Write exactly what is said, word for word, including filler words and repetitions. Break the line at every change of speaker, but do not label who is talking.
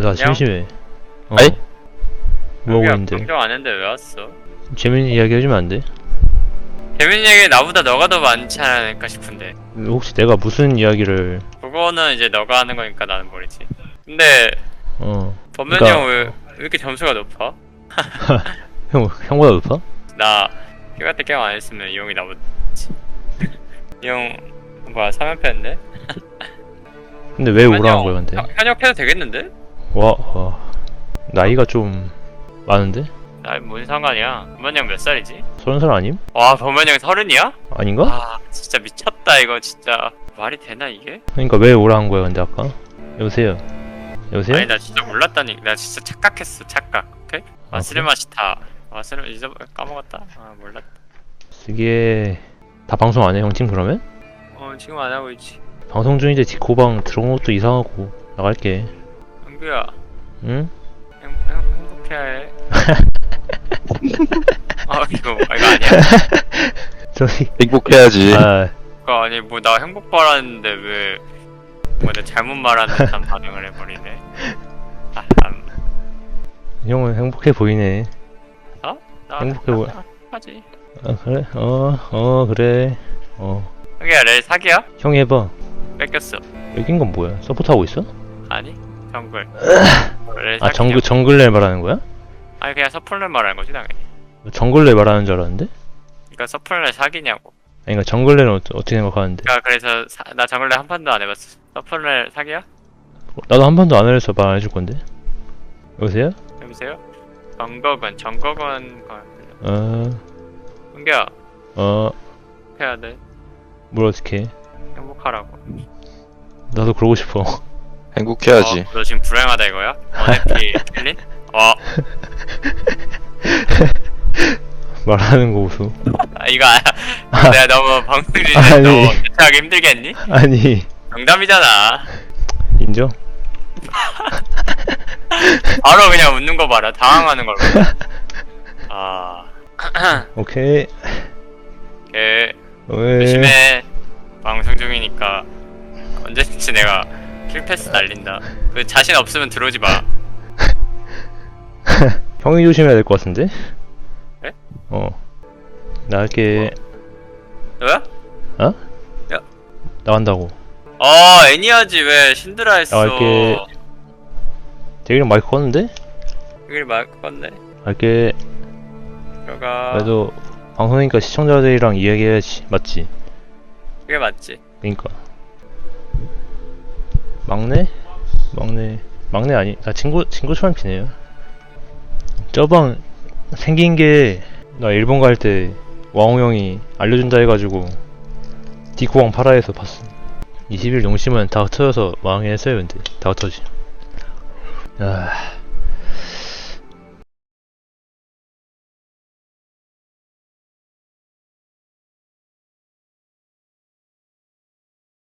나 심심해. 어.
아이?
뭐하고 있는데?
걱정 안 했는데 왜 왔어?
재밌는 이야기 해주면 안 돼?
재밌는 얘기 나보다 너가 더 많지 않을까 싶은데.
혹시 내가 무슨 이야기를
그거는 이제 너가 하는 거니까 나는 모르지. 근데
어
범면이
그러니까-
형 왜 왜 이렇게 점수가 높아?
형 형보다 높아?
나 휴가 때 게임 안 했으면 이 형이 나보다 이 형 뭐야 삼 연패인데?
근데 왜 오라는 거야 근데?
현역해도 되겠는데?
와, 와 나이가 좀 많은데?
나 뭔 상관이야? 범면이 형 몇 살이지?
서른 살 아님?
와 범면이 형 서른이야?
아닌가?
아 진짜 미쳤다 이거 진짜 말이 되나 이게?
그러니까 왜 오라는 거야 근데 아까? 여보세요? 여보세요?
아니 나 진짜 몰랐다니. 나 진짜 착각했어 착각. 오케이?
아,
와스레마시타 와스레 잊어 까먹었다. 아 몰랐다.
이게 다 방송 안 해 형 팀 그러면?
어 지금 안 하고 있지.
방송 중인데 디코방 들어온 것도 이상하고 나갈게.
형규야
응?
행, 행, 행복해야 해. 아 이거 이거 아니야.
저기
행복해야지.
아
그거 아니 뭐 나 행복 바랐는데 왜 뭐 내가 잘못 말한 듯한 반응을 해버리네. 아, 참.
형은 행복해 보이네.
나
행복해 보여.
하지.
아 그래? 어, 어 그래. 어
형규야 렐 사기야?
형이 해봐.
뺏겼어.
여긴 건 뭐야? 서포트 하고 있어?
아니 정글. 렐
아
사기냐고.
정글 정글레 말하는 거야?
아니 그냥 서플렛 말하는 거지 당연히.
정글레 말하는 줄 알았는데?
그러니까 서플렛 사기냐고.
아니 그러니까 정글레는 어, 어떻게 생각하는데?
그러니까 그래서 사, 나 정글렛 한 판도 안 해봤어. 서플렛 사기야?
나도 한 번도 안 해서 말 안 해줄 건데. 여보세요?
여보세요? 정거건 정거건 건.
어,
은규야
어,
해야 돼.
뭘 어떻게 해?
행복하라고.
나도 그러고 싶어.
행복해야지.
어, 너 지금 불행하다 이거야? 어네피 킬린? 어
말하는 거 보소.
아, 이거 아, 내가 너무 방송 중에
아니.
너 대체하기 힘들겠니?
아니,
농담이잖아.
인정?
바로 그냥 웃는 거 봐라. 당황하는 걸 봐라. 아
오케이.
걔
왜?
조심해. 방송 중이니까 언제든지 내가 킬패스 날린다. 그 자신 없으면 들어오지 마.
형이 조심해야 될 것 같은데?
그래?
어. 나갈게.
너야?
어?
야.
나간다고.
어 애니하지 왜 신드라 했어.
나갈게. 대기랑 마이크 껐는데?
여기 말 건네.
갈게.
들어가.
그래도 방송이니까 시청자들이랑 이야기해야지. 맞지?
그게 맞지.
그니까. 막내? 막내. 막내 아니, 나 친구, 친구처럼 지내요. 저방 생긴 게, 나 일본 갈 때 왕우 형이 알려준다 해가지고, 디코왕 파라에서 봤어. 이십 일 용심은 다 흩어져서 망했어요, 근데. 다 흩어지. 아.